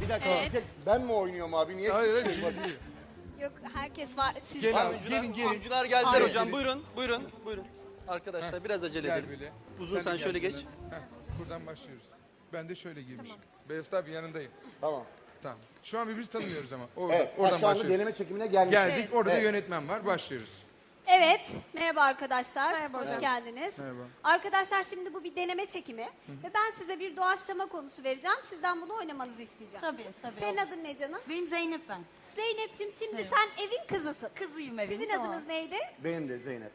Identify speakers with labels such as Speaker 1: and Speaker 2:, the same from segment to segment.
Speaker 1: Bir dakika.
Speaker 2: Evet.
Speaker 1: tek ben mi oynuyorum abi? Niye?
Speaker 3: Hayır,
Speaker 1: kimse
Speaker 3: hayır.
Speaker 1: yok?
Speaker 2: Yok herkes var. Siz
Speaker 3: Gel abi,
Speaker 4: Oyuncular,
Speaker 3: gelin.
Speaker 4: oyuncular geldiler
Speaker 2: Hayır.
Speaker 4: hocam. Buyurun. Arkadaşlar biraz acele
Speaker 3: Gel
Speaker 4: edelim.
Speaker 3: böyle.
Speaker 4: Uzun
Speaker 3: de
Speaker 4: sen
Speaker 3: gel
Speaker 4: şöyle geç.
Speaker 3: şuradan. Heh, buradan başlıyoruz. Ben de şöyle girmişim. Beyaz abi yanındayım.
Speaker 1: Tamam.
Speaker 3: Tamam. Şu an birbirimizi tanımıyoruz ama. Orada,
Speaker 1: Evet.
Speaker 3: oradan
Speaker 1: Şu anda
Speaker 3: başlıyoruz.
Speaker 1: deneme çekimine geldik.
Speaker 3: Geldik. Orada da
Speaker 1: Evet.
Speaker 3: yönetmen var. Başlıyoruz.
Speaker 2: Evet, merhaba arkadaşlar.
Speaker 5: Merhaba
Speaker 2: Hoş
Speaker 5: hocam.
Speaker 2: geldiniz.
Speaker 3: Merhaba.
Speaker 2: Arkadaşlar şimdi bu bir deneme çekimi ve ben size bir doğaçlama konusu vereceğim. Sizden bunu oynamanızı isteyeceğim.
Speaker 5: Tabii.
Speaker 2: Senin adın ne canım?
Speaker 5: Benim Zeynep ben.
Speaker 2: Zeynep'ciğim şimdi sen evin kızısın.
Speaker 5: Kızıyım evin.
Speaker 2: Sizin
Speaker 5: tamam.
Speaker 2: adınız neydi?
Speaker 1: Benim de Zeynep.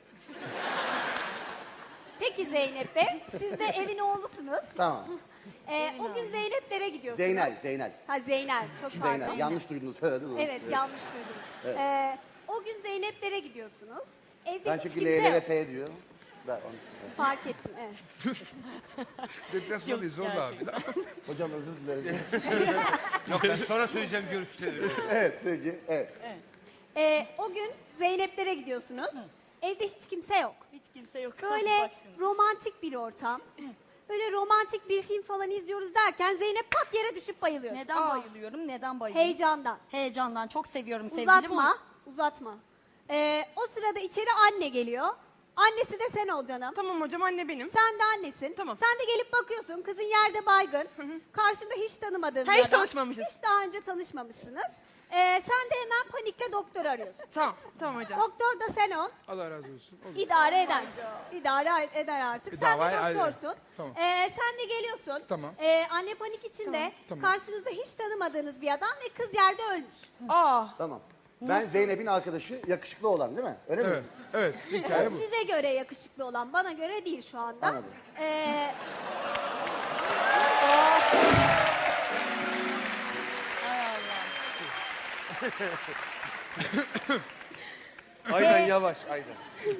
Speaker 2: Peki Zeynep Bey, siz de evin oğlusunuz.
Speaker 1: Tamam.
Speaker 2: O gün Zeynep'lere gidiyorsunuz.
Speaker 1: Zeynel.
Speaker 2: Ha Zeynel, çok pardon.
Speaker 1: Zeynel. Yanlış duydunuz söyledin mi?
Speaker 2: Evet, yanlış duydum. O gün Zeynep'lere gidiyorsunuz. Evde
Speaker 1: Ben
Speaker 2: hiç
Speaker 1: çünkü
Speaker 2: kimse
Speaker 1: L, L,
Speaker 2: yok.
Speaker 1: P diyor. Ben onu.
Speaker 2: Fark ettim, evet.
Speaker 3: Deplasmandayız zorla abi.
Speaker 1: Hocam özür dilerim.
Speaker 6: Yok ben sonra söyleyeceğim görüşleri.
Speaker 1: Evet peki. Evet.
Speaker 2: O gün Zeynep'lere gidiyorsunuz. Evde hiç kimse yok.
Speaker 5: Hiç kimse yok.
Speaker 2: Böyle
Speaker 5: Bak şimdi.
Speaker 2: romantik bir ortam. Böyle romantik bir film falan izliyoruz derken Zeynep pat yere düşüp bayılıyor.
Speaker 5: Neden bayılıyorum? Neden bayılıyorum?
Speaker 2: Heyecandan.
Speaker 5: Heyecandan. Çok seviyorum sevgilim.
Speaker 2: Uzatma. O sırada içeri anne geliyor. Annesi de sen ol canım.
Speaker 7: Tamam hocam anne benim.
Speaker 2: Sen de annesin.
Speaker 7: Tamam.
Speaker 2: Sen de gelip bakıyorsun. Kızın yerde baygın. Karşında hiç tanımadığın
Speaker 7: Ha,
Speaker 2: bir
Speaker 7: hiç
Speaker 2: adam.
Speaker 7: tanışmamışız.
Speaker 2: Hiç daha önce tanışmamışsınız. Sen de hemen panikle doktor arıyorsun.
Speaker 7: Tamam hocam.
Speaker 2: Doktor da sen ol.
Speaker 3: Allah razı olsun. Olur.
Speaker 2: İdare eder. İdare eder artık. Sen de
Speaker 3: davayı ayrı.
Speaker 2: doktorsun.
Speaker 3: Tamam.
Speaker 2: Sen de geliyorsun.
Speaker 3: Tamam.
Speaker 2: Anne panik içinde.
Speaker 3: Tamam.
Speaker 2: Karşınızda hiç tanımadığınız bir adam ve kız yerde ölmüş.
Speaker 1: Tamam. Ben Zeynep'in arkadaşı yakışıklı olan değil mi? Öyle
Speaker 3: Evet.
Speaker 1: mi?
Speaker 3: Evet. Hikaye bu.
Speaker 2: Size göre yakışıklı olan, bana göre değil şu anda.
Speaker 1: Anladım.
Speaker 6: Aynen yavaş aynen.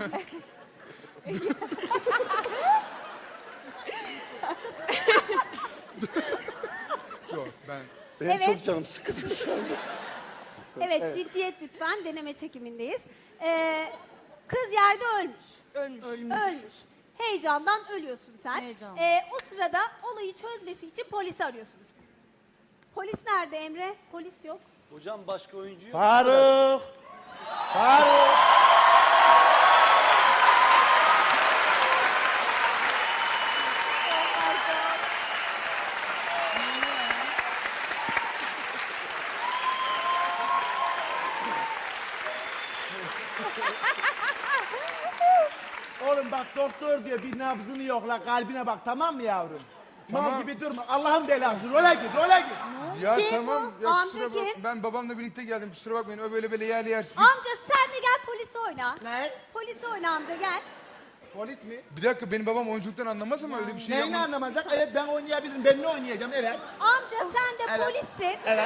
Speaker 3: Yok ben.
Speaker 1: Benim
Speaker 2: Evet.
Speaker 1: çok canım sıkıldı şu anda.
Speaker 2: Evet, ciddiyet lütfen. Deneme çekimindeyiz. Kız yerde ölmüş. Ölmüş. Heyecandan ölüyorsun sen.
Speaker 5: Heyecan.
Speaker 2: O sırada olayı çözmesi için polisi arıyorsunuz. Polis nerede Emre? Polis yok.
Speaker 4: Hocam başka oyuncu yok.
Speaker 6: Faruk. Faruk.
Speaker 8: Oğlum bak doktor diyor bir nabzını yokla kalbine bak tamam mı yavrum? Mal
Speaker 3: Tamam.
Speaker 8: gibi durma Allah'ın belası role gir.
Speaker 3: Ya
Speaker 2: Kim
Speaker 3: tamam.
Speaker 2: bu?
Speaker 3: Ya
Speaker 2: Amca
Speaker 3: kusura bak.
Speaker 2: kim?
Speaker 3: Ben babamla birlikte geldim. Kusura bakmayın. O böyle yerli yersiz.
Speaker 2: Amca sen de gel polisi oyna.
Speaker 8: Ne?
Speaker 2: Polisi oyna amca gel.
Speaker 8: Polis mi?
Speaker 3: Bir dakika benim babam oyunculuktan anlamaz ama öyle bir şey
Speaker 8: Neyini
Speaker 3: yapmaz.
Speaker 8: anlamazsak evet ben oynayabilirim ben ne oynayacağım evet.
Speaker 2: Amca sen de
Speaker 8: Evet.
Speaker 2: polissin.
Speaker 8: Evet.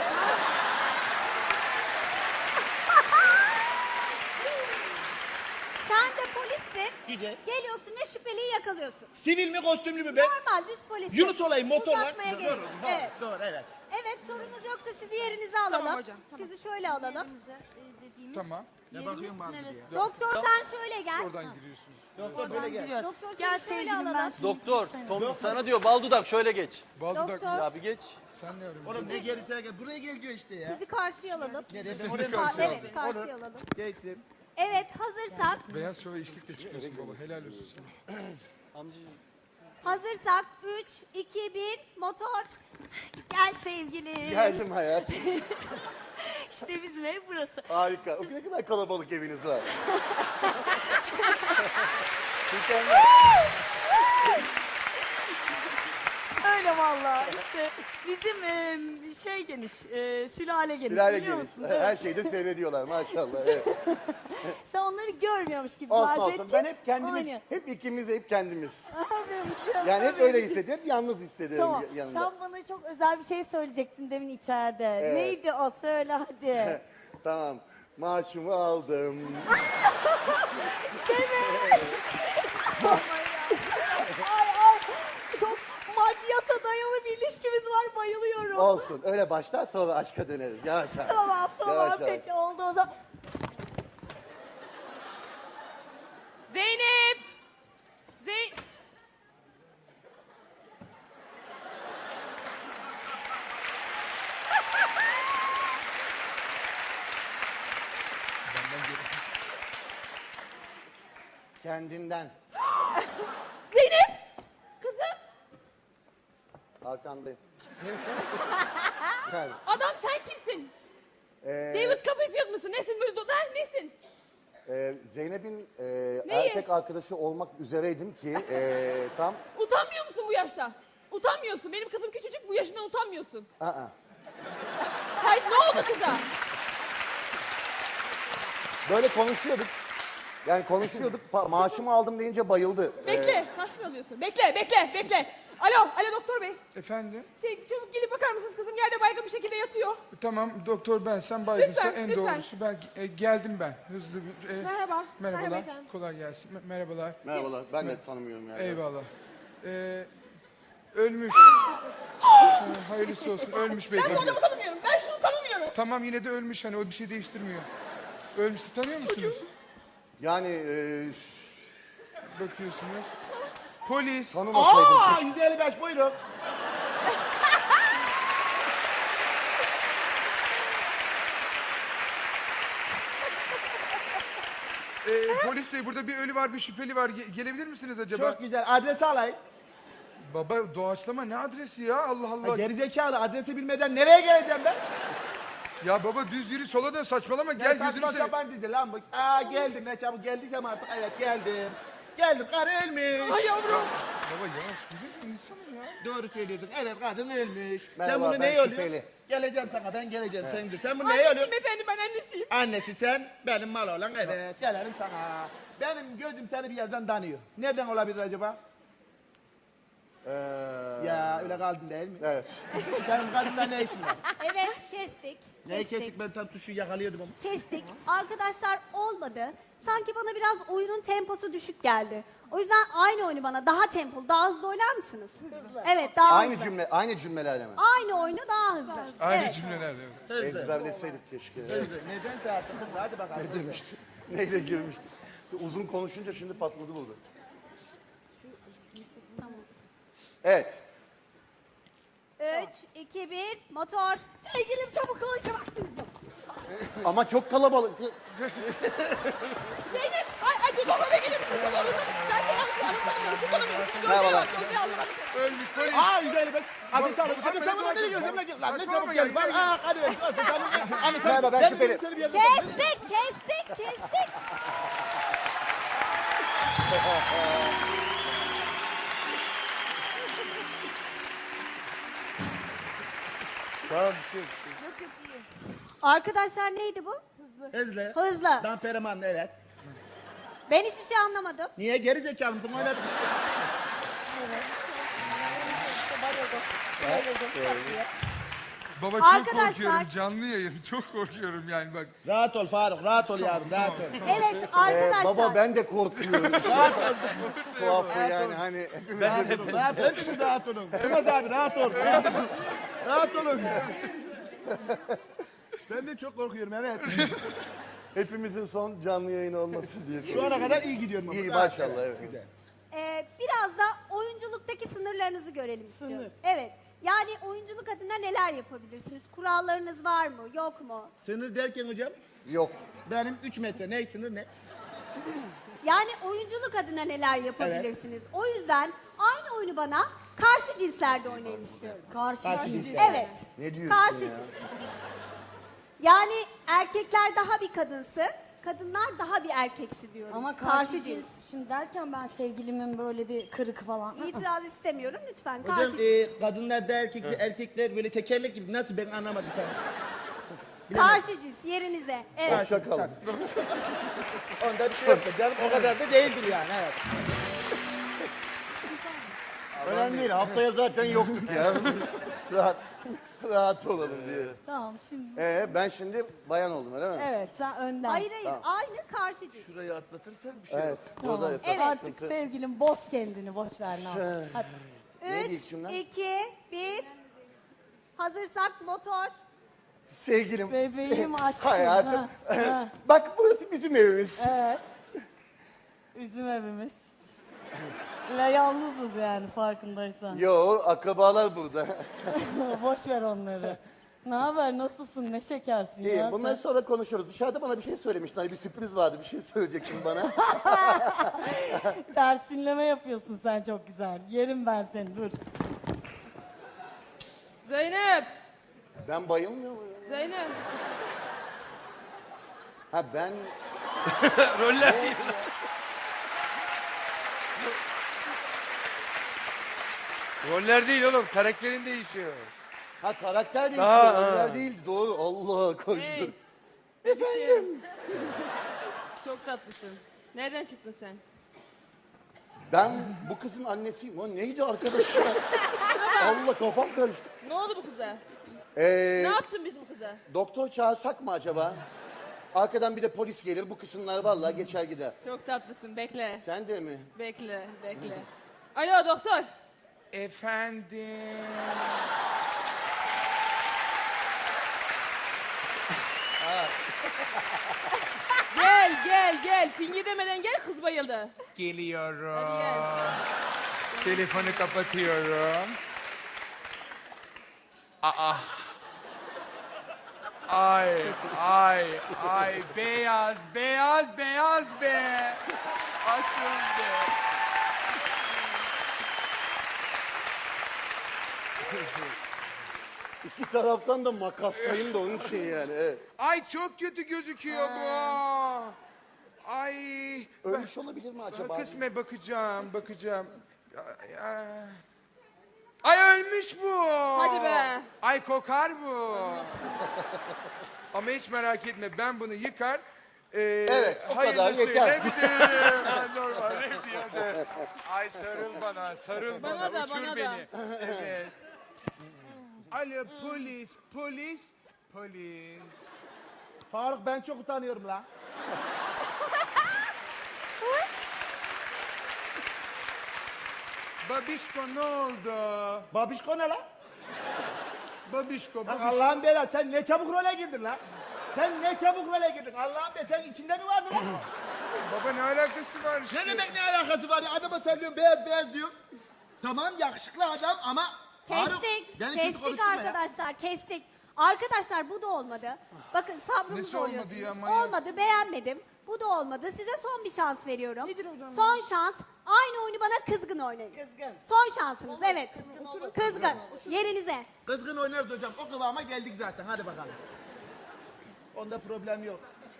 Speaker 2: Sen de polissin.
Speaker 8: Güzel.
Speaker 2: Geliyorsun ve şüpheliyi yakalıyorsun.
Speaker 8: Sivil mi kostümlü mü ben?
Speaker 2: Normal düz polis.
Speaker 8: Yunus olayım motor var.
Speaker 2: Uzatmaya gerek yok.
Speaker 8: Doğru,
Speaker 2: Evet.
Speaker 8: doğru evet.
Speaker 2: Evet sorunuz yoksa sizi yerinize alalım.
Speaker 7: Tamam hocam, tamam.
Speaker 2: Sizi şöyle alalım.
Speaker 5: Yerimize, dediğimiz
Speaker 3: Tamam.
Speaker 5: yerimiz neresi?
Speaker 2: Doktor sen şöyle gel.
Speaker 3: Oradan giriyorsunuz.
Speaker 8: Doktor böyle gel.
Speaker 5: Giriyoruz.
Speaker 2: Doktor seni
Speaker 5: Gel
Speaker 2: şöyle
Speaker 5: sevgilim ben
Speaker 2: alalım.
Speaker 5: şimdi.
Speaker 4: Doktor, Tom sana diyor bal dudak şöyle geç.
Speaker 3: Bal dudak
Speaker 2: Doktor.
Speaker 3: mı?
Speaker 4: Ya bir geç.
Speaker 3: Sen ne arıyorsun?
Speaker 8: Oğlum ne gerisine gel. Buraya gel diyor işte ya.
Speaker 2: Sizi karşıya alalım.
Speaker 8: Nereye?
Speaker 3: Oraya
Speaker 2: Ha,
Speaker 3: karşıya
Speaker 2: evet karşıya alalım.
Speaker 8: Geçtim.
Speaker 2: Evet hazırsak.
Speaker 3: Beyaz şova işlikle çıkıyorsun baba. Helal olsun sana.
Speaker 4: Amcacığım.
Speaker 2: Hazırsak 3, 2, 1 motor.
Speaker 5: Gel sevgilim.
Speaker 1: Geldim hayatım.
Speaker 5: İşte bizim ev burası.
Speaker 1: Harika. Ne kadar kalabalık eviniz var.
Speaker 5: Öyle vallahi işte bizim şey geniş, sülale geniş
Speaker 1: Sülale
Speaker 5: biliyor
Speaker 1: geniş.
Speaker 5: musun?
Speaker 1: Her şeyde seyrediyorlar maşallah. Evet.
Speaker 5: Sen onları görmüyormuş gibi
Speaker 1: Olsun
Speaker 5: farz et
Speaker 1: olsun.
Speaker 5: ki
Speaker 1: Ben hep kendimiz,
Speaker 5: oynuyor.
Speaker 1: hep ikimiz, hep kendimiz.
Speaker 5: Aferin,
Speaker 1: Yani hep öyle
Speaker 5: aferin.
Speaker 1: hissediyorum. Hep yalnız hissediyorum
Speaker 5: Tamam.
Speaker 1: yanında.
Speaker 5: Sen bana çok özel bir şey söyleyecektin demin içeride.
Speaker 1: Evet.
Speaker 5: Neydi o? Söyle hadi.
Speaker 1: Tamam. Maaşımı aldım.
Speaker 5: Ay çok maddiyata dayalı bir ilişkimiz var. Bayılıyorum.
Speaker 1: Olsun. Öyle başlar sonra aşka döneriz. Yavaş yavaş.
Speaker 5: Tamam
Speaker 1: Yavaş yavaş.
Speaker 5: peki oldu o zaman.
Speaker 7: Zeynep!
Speaker 1: Kendinden.
Speaker 5: Zeynep! Kızım!
Speaker 1: Arkandayım. Yani,
Speaker 5: Adam sen kimsin? David Copperfield mısın? Nesin böyle? Nesin?
Speaker 1: Zeynep'in
Speaker 5: Neyi?
Speaker 1: erkek arkadaşı olmak üzereydim ki tam...
Speaker 5: Utanmıyor musun bu yaşta? Utanmıyorsun. Benim kızım küçücük, bu yaşından utanmıyorsun.
Speaker 1: Aa.
Speaker 5: Hayır, ne oldu kıza?
Speaker 1: Böyle konuşuyorduk. Yani konuşuyorduk. Maaşımı aldım deyince bayıldı.
Speaker 5: Bekle, kaçını alıyorsun? Bekle. Alo doktor bey.
Speaker 3: Efendim?
Speaker 5: Çabuk gelip bakar mısınız? Kızım yerde baygın bir şekilde yatıyor.
Speaker 3: Tamam doktor ben sen baygınsa
Speaker 5: Lütfen,
Speaker 3: en
Speaker 5: lütfen.
Speaker 3: doğrusu ben geldim ben hızlı bir
Speaker 5: Merhaba.
Speaker 3: merhabalar
Speaker 5: Merhaba efendim.
Speaker 3: kolay gelsin merhabalar
Speaker 1: Merhabalar. Ben de tanımıyorum yani.
Speaker 3: eyvallah ölmüş hayırlısı olsun ölmüş
Speaker 5: Ben bu
Speaker 3: beyefendi
Speaker 5: adamı tanımıyorum. Ben şunu tanımıyorum.
Speaker 3: tamam yine de ölmüş hani o bir şey değiştirmiyor ölmüş siz tanıyor musunuz
Speaker 1: Yani
Speaker 3: bakıyorsunuz polis
Speaker 1: tanımasaydım.
Speaker 8: Aa 155 buyurun.
Speaker 3: polis bey burada bir ölü var bir şüpheli var gelebilir misiniz acaba
Speaker 8: Çok güzel. Adresi alayım.
Speaker 3: baba doğaçlama ne adresi ya Allah Allah
Speaker 8: Gerizekalı adresi bilmeden nereye geleceğim ben?
Speaker 3: ya baba düz yürü sola dön saçmalama gel gözünü
Speaker 8: Saçma
Speaker 3: seveyim.
Speaker 8: sapan dizi lan bu. Aa geldim ne çabuk geldiysem artık evet geldim. Geldim karı ölmüş.
Speaker 5: Ay yavrum.
Speaker 3: Baba yavaş güzel insanım ya.
Speaker 8: Doğru söylüyorsun. Evet kadın ölmüş.
Speaker 1: Merhaba,
Speaker 8: sen bunu
Speaker 1: ben
Speaker 8: neye
Speaker 1: şüpheli.
Speaker 8: oluyor? Geleceğim sana ben geleceğim sen dur. Sen bunu neye
Speaker 5: Annesiyim
Speaker 8: oluyor?
Speaker 5: efendim, ben annesiyim.
Speaker 8: Annesi sen benim mal olan evet gelelim sana. Benim gözüm seni bir yerden tanıyor. Nereden olabilir acaba? Ya öyle kaldın değil mi?
Speaker 1: Evet.
Speaker 8: Senin kadınla ne işin var?
Speaker 2: Evet kestik.
Speaker 8: Neyi kestik ben tam tuşu yakalıyordum ama.
Speaker 2: Kestik. Arkadaşlar olmadı. Sanki bana biraz oyunun temposu düşük geldi. O yüzden aynı oyunu bana daha tempolu, daha hızlı oynar mısınız? Hızlı. Evet, daha
Speaker 1: Aynı
Speaker 2: hızlı.
Speaker 1: aynı cümlelerle mi?
Speaker 2: Aynı oyunu daha hızlı.
Speaker 3: Aynı
Speaker 2: Evet.
Speaker 3: cümlelerle. evet.
Speaker 1: Ezberleseydik keşke.
Speaker 8: Nedense artık hızlı hadi bakalım.
Speaker 1: Ne demişti? Neyle girmişti? Uzun konuşunca şimdi patladı burada. Evet.
Speaker 2: 3, 2, 1, motor. Sevgilim çabuk ol işte vaktimiz yok.
Speaker 1: Ama çok kalabalık.
Speaker 5: Zeynep, ay bir babama gelir misin? Ben seni anlatamıyorum, şu tanımıyorum.
Speaker 1: Merhabalar.
Speaker 3: Ölmüş polis.
Speaker 8: Aa 155. Hadi sağ olun. Hadi
Speaker 3: ben
Speaker 8: sen bunu
Speaker 3: de
Speaker 8: nereye gidiyorsun?
Speaker 3: bakıyorum.
Speaker 8: Lan ne
Speaker 3: Saçmalama
Speaker 8: çabuk
Speaker 3: ya,
Speaker 8: gel. Bak
Speaker 3: yine
Speaker 8: aa hadi ver. Anne sen
Speaker 1: Merhaba, ben
Speaker 8: ben
Speaker 1: şüpheli.
Speaker 8: seni bir yerden
Speaker 2: Kestik.
Speaker 6: Tamam bir şey yok.
Speaker 2: Arkadaşlar neydi bu?
Speaker 8: Hızlı.
Speaker 2: Hızlı.
Speaker 8: Damperaman evet.
Speaker 2: Ben hiçbir şey anlamadım.
Speaker 8: Niye geri zekalı mısın? Oynadık işte.
Speaker 3: Baba çok
Speaker 2: Arkadaşlar-
Speaker 3: korkuyorum canlı yayın çok korkuyorum yani bak.
Speaker 8: Rahat ol Faruk. Rahat ol yavrum. Rahat ol.
Speaker 2: Evet arkadaşlar.
Speaker 1: Baba ben de korkuyorum.
Speaker 8: Rahat ol.
Speaker 1: Tuhafı yani hani hepimiz
Speaker 8: Rahat ol. Hepiniz rahat olun. Yılmaz abi rahat ol. Rahat olun. Ben de çok korkuyorum evet.
Speaker 1: hepimizin son canlı yayın olması diye.
Speaker 8: Şu ana kadar iyi gidiyorum. ama.
Speaker 1: İyi
Speaker 8: Rahat
Speaker 1: maşallah
Speaker 8: ol.
Speaker 1: evet.
Speaker 8: Güzel.
Speaker 2: Biraz da oyunculuktaki sınırlarınızı görelim istiyorum. Evet. Yani oyunculuk adına neler yapabilirsiniz? Kurallarınız var mı? Yok mu?
Speaker 8: Sınır derken hocam
Speaker 1: Yok.
Speaker 8: benim 3 metre ne sınır ne?
Speaker 2: Yani oyunculuk adına neler yapabilirsiniz? O yüzden aynı oyunu bana karşı cinslerde oynayın istiyorum.
Speaker 8: Karşı cins.
Speaker 2: Evet.
Speaker 1: Ne diyorsun
Speaker 2: Karşı
Speaker 1: ya?
Speaker 2: cins. Yani erkekler daha bir kadınsı, kadınlar daha bir erkeksi diyorum.
Speaker 7: Ama karşı cins. Şimdi derken ben sevgilimin böyle bir kırık falan.
Speaker 2: İtiraz istemiyorum lütfen.
Speaker 8: Hocam
Speaker 2: Karşı
Speaker 8: kadınlar da erkekler böyle tekerlek gibi nasıl ben anlamadım tamam.
Speaker 2: Karşı cins yerinize. Evet.
Speaker 1: Hoşça kalın.
Speaker 8: Onda bir şey yok da canım o kadar da değildir yani evet.
Speaker 1: Önemli değil. Haftaya zaten yoktuk ya. rahat olalım diye.
Speaker 7: Tamam şimdi.
Speaker 1: Ben şimdi bayan oldum öyle mi?
Speaker 7: Evet sen önden.
Speaker 2: Hayır aynı karşı cins.
Speaker 6: Şurayı atlatırsan bir şey
Speaker 1: Evet.
Speaker 6: yok.
Speaker 1: Burada
Speaker 7: Tamam.
Speaker 1: esas
Speaker 7: Artık
Speaker 1: sıkıntı.
Speaker 7: sevgilim boz kendini boş ver ne yapalım. Hadi.
Speaker 1: Neydi
Speaker 2: 3,
Speaker 1: ilk cümle?
Speaker 2: 2, 1. Hazırsak motor.
Speaker 1: Sevgilim.
Speaker 7: Bebeğim aşkım.
Speaker 1: Hayatım.
Speaker 7: Ha, ha.
Speaker 1: Bak burası bizim evimiz.
Speaker 7: Evet. Bizim evimiz. La yalnızız yani farkındaysan.
Speaker 1: Yo akrabalar burada.
Speaker 7: Boş ver onları. Ne haber, nasılsın, ne şekersin
Speaker 1: İyi,
Speaker 7: ya
Speaker 1: bunları
Speaker 7: sen?
Speaker 1: sonra konuşuruz. Dışarıda bana bir şey söylemiştin. Hani bir sürpriz vardı. Bir şey söyleyecektin bana.
Speaker 7: Tersinleme yapıyorsun sen çok güzel. Yerim ben seni, dur.
Speaker 9: Zeynep!
Speaker 1: Ben bayılmıyor muyum?
Speaker 9: Zeynep!
Speaker 1: Ha ben...
Speaker 6: Roller. Roller değil oğlum. Karakterin değişiyor.
Speaker 1: Ha karakter değişiyor.
Speaker 6: Ha,
Speaker 1: Roller
Speaker 6: ha.
Speaker 1: değil. Doğru. Allah koştur.
Speaker 9: Hey.
Speaker 1: Efendim?
Speaker 9: Çok tatlısın. Nereden çıktın sen?
Speaker 1: Ben bu kızın annesiyim. O neydi arkadaş ya? Allah kafam karıştı.
Speaker 9: Ne oldu bu kıza?
Speaker 1: Ee,
Speaker 9: Ne yaptın biz bu kıza?
Speaker 1: doktor çağırsak mı acaba? Arkadan bir de polis gelir. Bu kısımlar vallahi geçer gider.
Speaker 9: Çok tatlısın. Bekle.
Speaker 1: Sen de mi?
Speaker 9: Bekle. Bekle. Alo doktor.
Speaker 3: Efendim.
Speaker 9: Gel. Fingir demeden gel, kız bayıldı.
Speaker 3: Geliyorum.
Speaker 9: Hadi gel.
Speaker 3: Telefonu kapatıyorum. Aa. Ay, beyaz be. Açın be.
Speaker 1: İki taraftan da makaslayın da onun için yani. Evet.
Speaker 3: Ay çok kötü gözüküyor bu. Ay.
Speaker 1: Ölmüş olabilir mi acaba?
Speaker 3: Kısme bakacağım. Ay ölmüş bu.
Speaker 9: Hadi be.
Speaker 3: Ay kokar bu. Ama hiç merak etme, ben bunu yıkar.
Speaker 1: Evet, o kadar
Speaker 3: hayırlısıyla
Speaker 1: yeter.
Speaker 3: bitiririm. Ben normal repiyade. Ay sarıl bana.
Speaker 9: Bana da,
Speaker 3: Uçur
Speaker 9: bana da.
Speaker 3: beni. Evet. Alo polis.
Speaker 8: Faruk ben çok utanıyorum la.
Speaker 3: Babişko ne oldu?
Speaker 8: Babişko ne la?
Speaker 3: Babişko.
Speaker 8: Lan Allah'ın belası sen ne çabuk role girdin la. Sen ne çabuk role girdin. Allah'ın belası sen içinde mi vardın lan?
Speaker 3: Baba ne alakası var işte?
Speaker 8: Ne demek ne alakası var ya? Adama söylüyorum beyaz diyor. Tamam yakışıklı adam ama... Faruk,
Speaker 2: Kestik.
Speaker 8: beni kötü
Speaker 2: Kestik
Speaker 8: konuşturma ya.
Speaker 2: arkadaşlar. Kestik. Arkadaşlar bu da olmadı. Bakın sabrımı
Speaker 3: Nesi olmadı
Speaker 2: zorluyorsunuz.
Speaker 3: ya, manyak?
Speaker 2: Olmadı, beğenmedim. Bu da olmadı. Size son bir şans veriyorum.
Speaker 9: Nedir hocam
Speaker 2: Son şans. Aynı oyunu bana kızgın oynayın.
Speaker 7: Kızgın.
Speaker 2: Son şansınız, evet.
Speaker 7: olur.
Speaker 2: Kızgın. Yerinize.
Speaker 8: Kızgın oynarız hocam. O kıvama geldik zaten. Hadi bakalım. Onda problem yok.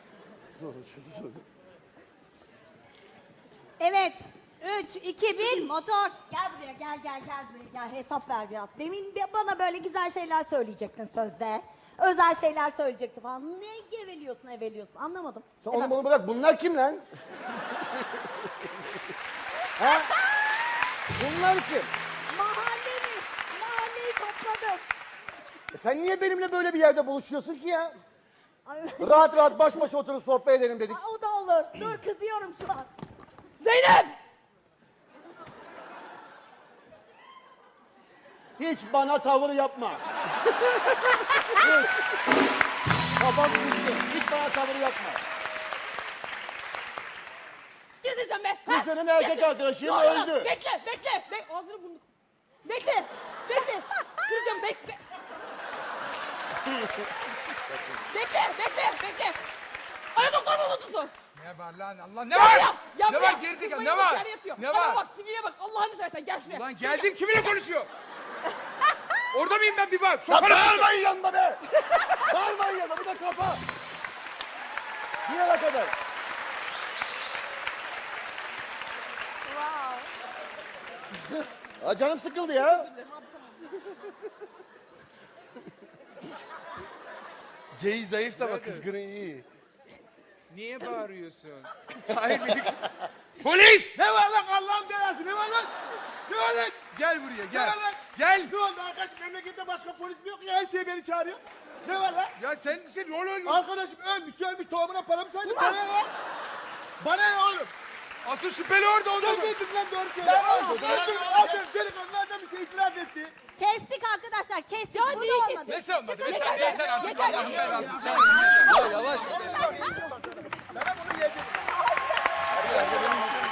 Speaker 2: Evet. 3, 2, 1, motor.
Speaker 7: Gel buraya, gel buraya, gel hesap ver biraz. Demin bana böyle güzel şeyler söyleyecektin sözde. Özel şeyler söyleyecekti falan. Ne eveliyorsun anlamadım.
Speaker 1: Sen onu bunu bırak. Bunlar kim lan? ha? Bunlar kim?
Speaker 7: Mahalleyi topladım.
Speaker 1: Sen niye benimle böyle bir yerde buluşuyorsun ki ya?
Speaker 7: Ay,
Speaker 1: Rahat baş başa oturup sohbet edelim dedik.
Speaker 7: o da olur. Dur kızıyorum şu an.
Speaker 9: Zeynep!
Speaker 1: Hiç bana tavır yapma. Hiç. Kafam düştü. Hiç bana tavır yapma.
Speaker 9: Kimsin sen be?
Speaker 1: Kız senin erkek arkadaşın öldü.
Speaker 9: Bekle. Ağzını burnunu. Bekle. Kıracağım bekle. Bekle. Ay doktor mu unutulsun?
Speaker 3: Ne var lan Allah ne var?
Speaker 9: Ya
Speaker 3: Ne var gerizekalı ne var? Ne var?
Speaker 9: Bak kimliğe bak Allah'ını seversen gel şuraya.
Speaker 3: Lan geldim kiminle konuşuyor? Orada mıyım ben bir bak.
Speaker 1: Ya
Speaker 3: Sokarım.
Speaker 1: bağırmayın yanında be! Bağırmayın yanında, bir de kafa! Bir yere kadar. Ha, canım sıkıldı ya.
Speaker 6: C'yi zayıf da bak kızgını iyi.
Speaker 3: Niye bağırıyorsun? Hayır benim... Polis!
Speaker 8: Ne var lan Allah'ın belası? Ne var lan? Ne var lan?
Speaker 3: Gel buraya
Speaker 8: Ne
Speaker 3: gel.
Speaker 8: var lan?
Speaker 3: Gel.
Speaker 8: Ne oldu arkadaş? Memlekette başka polis mi yok ya? Her şey beni çağırıyor. Ne var lan?
Speaker 3: Ya sen rol oynuyorsun.
Speaker 8: Arkadaşım ölmüş tohumuna para mı saydın? Bana ne lan? Bana ne oğlum?
Speaker 3: Asıl şüpheli orada
Speaker 8: Sen
Speaker 3: oldu.
Speaker 8: dedim lan doğru söyle. Arkadaşım adam delikanlılardan bir şey itiraf etti.
Speaker 2: Kestik arkadaşlar. Kestik. Bu
Speaker 9: niye
Speaker 2: da olmadı.
Speaker 3: Nesi olmadı?
Speaker 2: Çıkın,
Speaker 3: Mesela
Speaker 2: çıkın.
Speaker 3: yeter artık Allah'ın belası. Sen
Speaker 4: Ya yavaş.
Speaker 8: Sana bunu yedim.
Speaker 4: Bir yerde benim